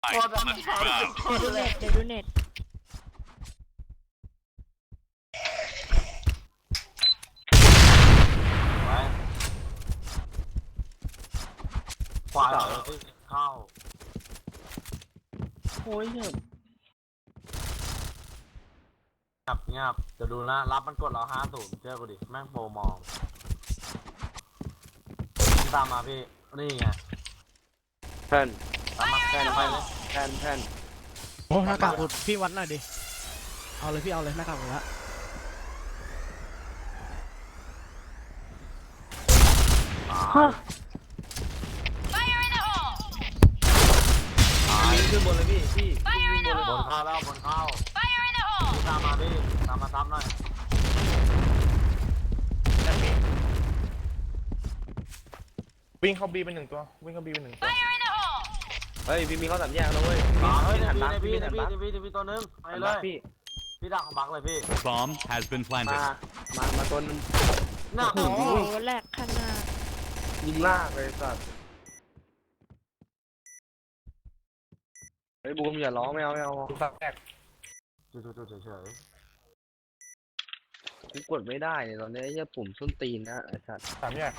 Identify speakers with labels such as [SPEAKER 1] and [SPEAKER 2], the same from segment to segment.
[SPEAKER 1] ดูเน็ตเดี๋ยวดูเน็ต
[SPEAKER 2] ขวาเข้า
[SPEAKER 3] โอ้ยเหี้ย
[SPEAKER 2] เงียบจะดูนะรับมันกดเรา50เชื่อกูดิแม่งโปรมองตามมาพี่นี่ไง
[SPEAKER 3] แผ่น
[SPEAKER 2] ตามมาแค่ไปเลย
[SPEAKER 3] แผ่น
[SPEAKER 4] โอ้หน้ากากอุดพี่วัดหน่อยดิเอาเลยพี่เอาเลยหน้ากากอุดละ
[SPEAKER 3] วิ่งขึ้นบนเลยพี่วิ่งบนเลย
[SPEAKER 2] บนเข้าแล้วบนเข้าตามมาพี่ตามมาซับหน่อย
[SPEAKER 5] วิ่งเข้าบีเป็น1 ตัววิ่งเข้าบีเป็น1 ตัว
[SPEAKER 3] เฮ้ยพี่มีข้อสามแยกแล้วเว้ย
[SPEAKER 2] เฮ้ย
[SPEAKER 3] พี่หัน
[SPEAKER 2] ใน
[SPEAKER 3] บัก
[SPEAKER 2] พี่
[SPEAKER 3] พี่
[SPEAKER 2] ใน
[SPEAKER 3] หัน
[SPEAKER 2] พี่
[SPEAKER 3] บัก
[SPEAKER 2] ในพี่ในพี่ตัวนึงไป
[SPEAKER 3] หัน
[SPEAKER 2] เล
[SPEAKER 3] บัก
[SPEAKER 2] ย
[SPEAKER 3] พี่
[SPEAKER 2] พี่ดักของบักเลยพี่
[SPEAKER 6] Bomb has been planted.
[SPEAKER 3] มาตัวนึง
[SPEAKER 2] น่า
[SPEAKER 1] โอ้โหแหลกขนาด
[SPEAKER 3] ยิงลากเลยสัตว์เฮ้ยบูมอย่าร้องไม่เอา
[SPEAKER 5] สักแรก
[SPEAKER 2] จุดเฉย
[SPEAKER 3] กูกดไม่ได้เนี่ยตอนนี้ไอ้เหี้ยปุ่มส้นตีนนะไอ้สัตว์
[SPEAKER 5] 3 แยก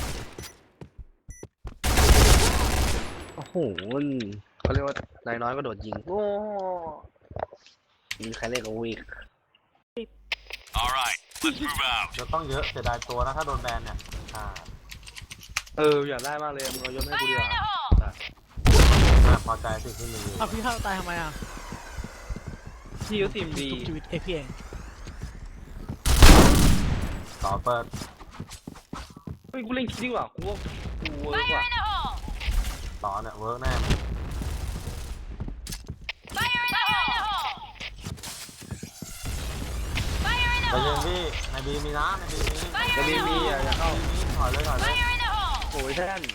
[SPEAKER 3] โอ้โหเขาเรียกว่านายน้อยก็โดดยิงโอ้ยิงใครเล่นกับวีก
[SPEAKER 6] All right, let's move out.
[SPEAKER 2] จะต้องเยอะเสียดายตัวนะถ้าโดนแบนเนี่ย
[SPEAKER 3] อยากได้มากเลยมึงเอายศให้กูดีกว่า
[SPEAKER 2] พอใจสิ่งที่มี
[SPEAKER 4] เอาพี่เข้าตายทำไมอ่ะ
[SPEAKER 3] พี่ก็ทีมดี
[SPEAKER 4] ทุบชีวิตพี่เอง
[SPEAKER 2] ต่อเปิด
[SPEAKER 3] เฮ้ยกูเล่นคิดดีกว่ากูว่ากูเวิร์กว่ะ
[SPEAKER 2] ต่อเนี่ยเวิร์กแน่ไปเลยพี่ในบีมีนะในบีมี
[SPEAKER 3] จะมีอย่าเข้า
[SPEAKER 2] ถอยเลย
[SPEAKER 3] โอ้ยแท่น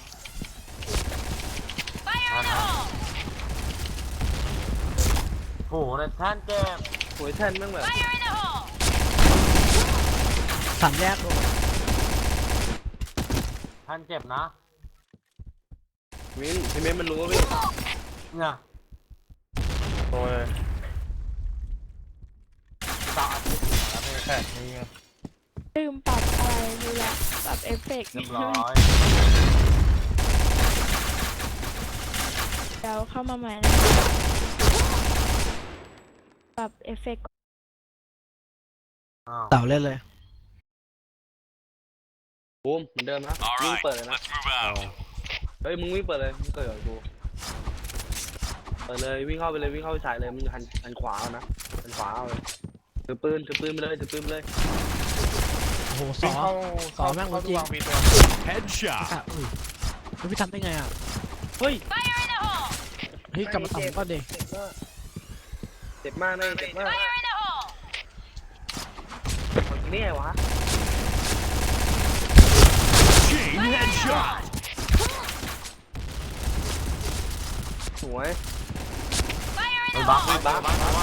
[SPEAKER 2] โอ้โหในแท่นเก็บ
[SPEAKER 3] โอ้ยแท่นแม่งแบบ
[SPEAKER 4] สามแยกโดน
[SPEAKER 2] แท่นเก็บนะ
[SPEAKER 3] มิ้นพี่เม้นมันรู้ว่าพี่
[SPEAKER 2] เนี่ย
[SPEAKER 5] ตัวเลย
[SPEAKER 2] ต่ออาทิตย์แล้วพี่
[SPEAKER 5] แค่นี้ไง
[SPEAKER 1] ลืมปรับอะไรดูแลปรับเอฟเฟกต์
[SPEAKER 2] เรียบร้อย
[SPEAKER 1] เดี๋ยวเข้ามาใหม่นะปรับเอฟเฟกต์
[SPEAKER 4] เต่าเล่นเลย
[SPEAKER 3] บูมเหมือนเดิมนะ
[SPEAKER 6] All
[SPEAKER 3] วิ่ง
[SPEAKER 6] right,
[SPEAKER 3] เปิดเลยนะ
[SPEAKER 6] let's move out.
[SPEAKER 3] เฮ้ยมึงวิ่งเปิดเลยมึงเปิดกับกูเปิดเลยวิ่งเข้าไปเลยวิ่งเข้าไปฉายเลยมึงหันขวาเอานะหันขวาเอาเลยถือปืนไปเลยถือปืนไปเลย
[SPEAKER 4] โอ้โหส
[SPEAKER 5] วิ่
[SPEAKER 4] อง
[SPEAKER 5] เข้า
[SPEAKER 4] แม่ง
[SPEAKER 5] เข้า
[SPEAKER 4] จริง
[SPEAKER 5] วางบีตัว
[SPEAKER 6] Headshot.
[SPEAKER 4] อ่ะอุ้ยแล้วพี่ทำได้ไงอ่ะ
[SPEAKER 3] เฮ้ย
[SPEAKER 4] เฮ้ยกลับมาต่ำก็เด็ก
[SPEAKER 3] เจ็บมากเลยเจ็บมากนี่ไงวะ
[SPEAKER 6] Chain headshot.
[SPEAKER 3] สวย
[SPEAKER 2] ไปบักไปบัก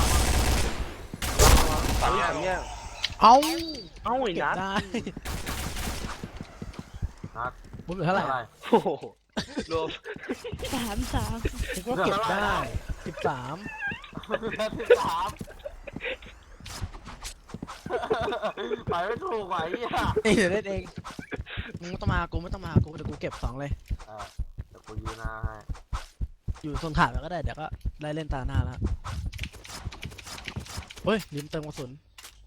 [SPEAKER 3] สามเนี่ย
[SPEAKER 4] เอ้า
[SPEAKER 3] เอ้าไอ้
[SPEAKER 4] เก็บ
[SPEAKER 3] นัด
[SPEAKER 4] ได้
[SPEAKER 2] นัด
[SPEAKER 4] บุญเหลือเท่าไหร่
[SPEAKER 3] โอ้โหรวม
[SPEAKER 1] 3
[SPEAKER 4] คิดว่าเก็บได้13
[SPEAKER 2] 13ไปไม่ถูกไหวอ่ะ
[SPEAKER 4] เอ้ยเดี๋ยวเล่นเองมึงไม่ต้องมากูไม่ต้องมากูเดี๋ยวกูเก็บ2เลย
[SPEAKER 2] เดี๋ยวกูยืนหน้าให้
[SPEAKER 4] อยู่โซนขาดแล้วก็ได้เดี๋ยวก็ได้เล่นตาหน้าแล้วเฮ้ยลืมเติมกระสุน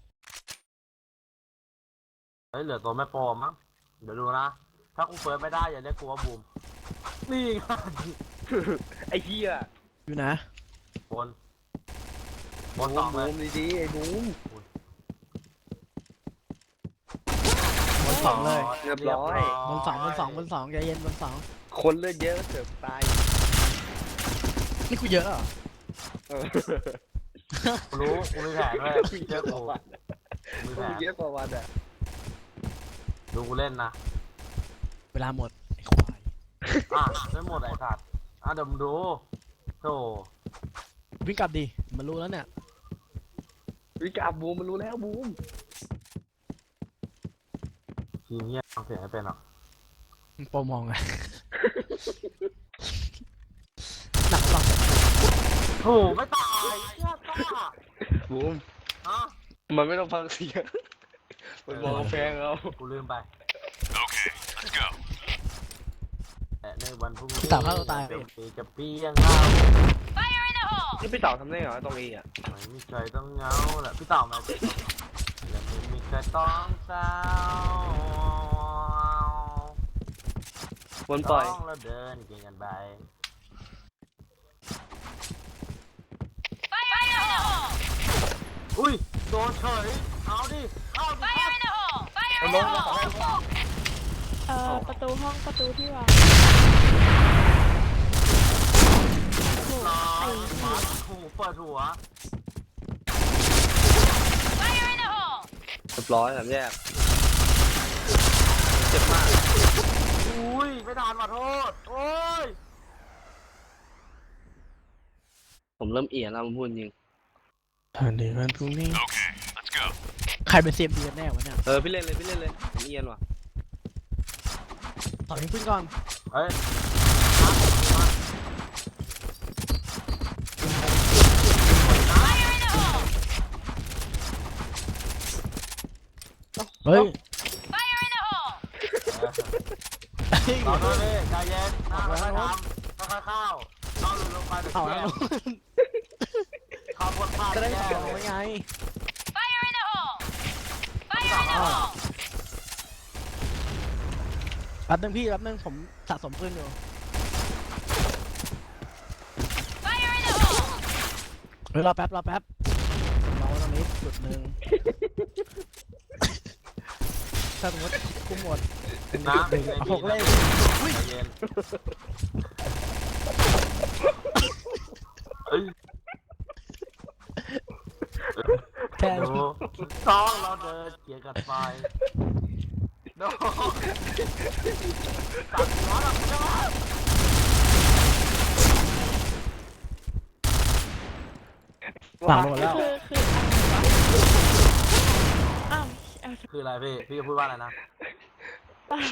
[SPEAKER 2] เฮ้ยเหลือตัวแม่โปรมั้งเดี๋ยวดูนะถ้ากูเปิดไม่ได้อย่าเรียกกูว่าบูมนี่ไง
[SPEAKER 3] ไอ้เหี้ย
[SPEAKER 4] อยู่นะ
[SPEAKER 2] บนสองเลย
[SPEAKER 3] บูมดีๆไอ้บูม
[SPEAKER 4] บนสองเลย
[SPEAKER 3] เรียบร้อย
[SPEAKER 4] บนสองใจเย็นบนสอง
[SPEAKER 3] คนเลือดเยอะเสือกตาย
[SPEAKER 4] นี่กูเยอะเหรอ
[SPEAKER 2] กูรู้กูมีแผนด้วยเชื่อกูมีแผน
[SPEAKER 3] เยอะกว่าวันอ่ะ
[SPEAKER 2] ดูกูเล่นนะ
[SPEAKER 4] เวลาหมดไอ้ควาย
[SPEAKER 2] ไม่หมดไอ้สัตว์เดี๋ยวมึงดูโธ่
[SPEAKER 4] วิ่งกลับดิมันรู้แล้วเนี่ย
[SPEAKER 3] วิกาบูมมันรู้แล้วบูม
[SPEAKER 2] ทีเนี้ยฟังเสียงให้เป็นหรอ
[SPEAKER 4] มึงโปรมองไงหนักปะ
[SPEAKER 2] โหไม่ตายเชี่ยกล้า
[SPEAKER 3] บูม
[SPEAKER 2] ฮะ
[SPEAKER 3] มันไม่ต้องฟังเสียงมันมองกำแพงเอา
[SPEAKER 2] กูลืมไป
[SPEAKER 6] Okay, let's go.
[SPEAKER 2] แต่ในวันพรุ่งนี้
[SPEAKER 4] พี่เต่าฆ่าตัวตาย
[SPEAKER 2] มีจะเปี้ยงเงา
[SPEAKER 3] นี่พี่เต่าทำได้เหรอตรงนี้อ่ะ
[SPEAKER 2] ไม่มีใครต้องเหงาแหละพี่เต่ามาและไม่มีใครต้องเศร้า
[SPEAKER 3] วนปล่อย
[SPEAKER 2] ต้องแล้วเดินเก่งกันไปอุ้ยโดนเฉยเอาดิเข้าดิครับ
[SPEAKER 5] มันลงมาขอให้ลง
[SPEAKER 1] ประตูห้องประตูที่วางโอ้โห
[SPEAKER 2] รอ
[SPEAKER 1] ไอ้
[SPEAKER 2] มาถูเปิดหัว
[SPEAKER 3] เรียบร้อยสามแยกเจ็บมาก
[SPEAKER 2] อุ้ยไม่ทันมาโทษโอ้ย
[SPEAKER 3] ผมเริ่มเอียนแล้วผมพูดจริง
[SPEAKER 4] เดี๋ยววันพรุ่งนี้
[SPEAKER 6] Okay, let's go.
[SPEAKER 4] ใครเป็นเซียมดีกันแน่วะเนี่ย
[SPEAKER 3] พี่เล่นเลยผมเอียนว่ะ
[SPEAKER 4] ต่อยิงปืนก่อน
[SPEAKER 2] เฮ้ย
[SPEAKER 4] เฮ้ย
[SPEAKER 2] รอด้วยดิใจเย็นค่อยๆทำค่อยๆเข้าลงไปเดี๋ยว
[SPEAKER 4] เอา
[SPEAKER 2] แก้
[SPEAKER 4] แล้ว
[SPEAKER 2] เข้าบนผ้า
[SPEAKER 4] จะได้
[SPEAKER 2] แก้
[SPEAKER 4] เกี่ยวไว้ไงแป๊บนึงพี่แป๊บนึงผมสะสมปืนอยู่เฮ้ยรอแป๊บรอตรงนี้จุดหนึ่งถ้าสมมติกูหมด
[SPEAKER 2] นะ
[SPEAKER 4] หกเลข
[SPEAKER 2] ใจเย็นเอ้ย
[SPEAKER 4] แค่
[SPEAKER 2] ดูต้องเราเดินเกี่ยวกันไปดูตัดหัวหลังใช่ไหม
[SPEAKER 4] ฝั่งลงหมดแล้ว
[SPEAKER 1] อ้าว
[SPEAKER 2] คืออะไรพี่จะพูดว่าอะไรนะ
[SPEAKER 1] เปล่า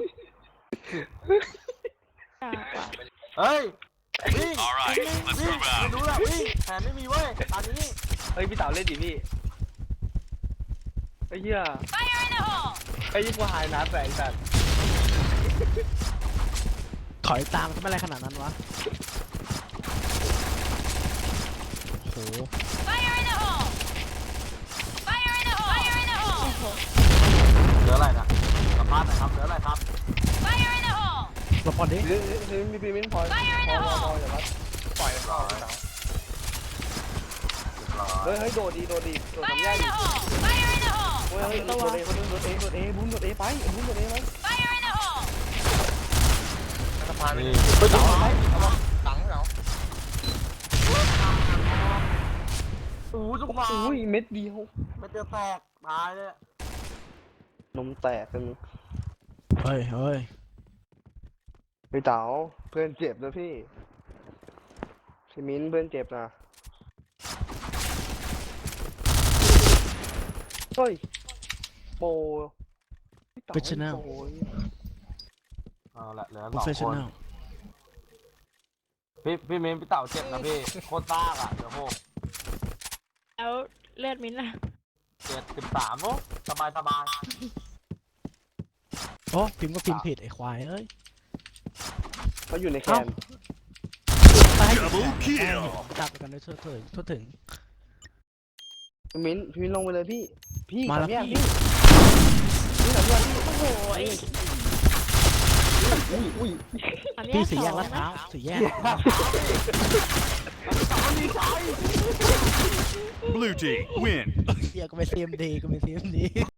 [SPEAKER 1] อยากว่ะ
[SPEAKER 2] เฮ้ยวิ่ง
[SPEAKER 6] All right, let's
[SPEAKER 2] วิ่ง
[SPEAKER 6] move
[SPEAKER 2] ไม่
[SPEAKER 6] out.
[SPEAKER 2] รู้ละวิ่งแผนไม่มีเว้ยตอนนี้
[SPEAKER 3] พี่เต่าเล่นดิพี่ไอ้เหี้ยไอ้ยี่ปัวหายน้ำแต่ไอ้สัตว์
[SPEAKER 4] ถอยตามทำไมอะไรขนาดนั้นวะโอ้โห
[SPEAKER 2] เหลืออะไรนะสัมภาษณ์หน่อยครับเหลืออะไรครับ
[SPEAKER 4] หลบก่อนดิ
[SPEAKER 3] มีปีมิ้นพออย่าวัด
[SPEAKER 5] ปล่อยเข้าไปแล้ว
[SPEAKER 3] เฮ้ยโดดสามแยกดิโอ้ยโดดเอบุ้มโดดเอไปบุ้มโดดเอไป
[SPEAKER 5] สะพาน
[SPEAKER 2] นี่
[SPEAKER 5] ไปต่อไหมเอามาตังค์เหรอ
[SPEAKER 2] อู้จุกมา
[SPEAKER 3] อุ้ยเม็ดเดียว
[SPEAKER 2] ไม่เจอแตกตายเลย
[SPEAKER 3] นมแตกกัน
[SPEAKER 4] เฮ้ย
[SPEAKER 3] พี่เต๋าเพื่อนเจ็บนะพี่มิ้นเพื่อนเจ็บนะเฮ้ยโป
[SPEAKER 4] Professional
[SPEAKER 2] เอาละเหลือ
[SPEAKER 4] โปร
[SPEAKER 2] สอง
[SPEAKER 4] เฟช
[SPEAKER 2] ค
[SPEAKER 4] ชั่น
[SPEAKER 2] น
[SPEAKER 4] แนล
[SPEAKER 2] พี่เมนพี่เต่าเจ็บนะพี่โคตรซากอ่ะเดี๋ยวหก
[SPEAKER 1] แล้วเลือดมิ้นท์ล่ะ
[SPEAKER 2] 73โอ้สบาย
[SPEAKER 4] โอ้พิมพ์ก็พิมพ์ผิดไอ้ควายเอ้ย
[SPEAKER 3] เขาอยู่ในแค
[SPEAKER 4] เอ้า
[SPEAKER 3] ม
[SPEAKER 6] Double kill.
[SPEAKER 4] จับไปกันด้วยทั่วถึง
[SPEAKER 3] มิ้นลงไปเลยพี่
[SPEAKER 4] มาแล้ว
[SPEAKER 3] สยก
[SPEAKER 4] พี่
[SPEAKER 3] พี่สามแยกพี่
[SPEAKER 1] โอ้โหไอ้
[SPEAKER 3] อุ้ย
[SPEAKER 1] อัน
[SPEAKER 4] พี่
[SPEAKER 1] เนี้ย
[SPEAKER 4] สี่แยก
[SPEAKER 1] สอง
[SPEAKER 4] ลาดพร้า
[SPEAKER 1] นะ
[SPEAKER 4] วสี่แยก
[SPEAKER 6] Blue team, win.
[SPEAKER 4] เฮียก็เป็น CMD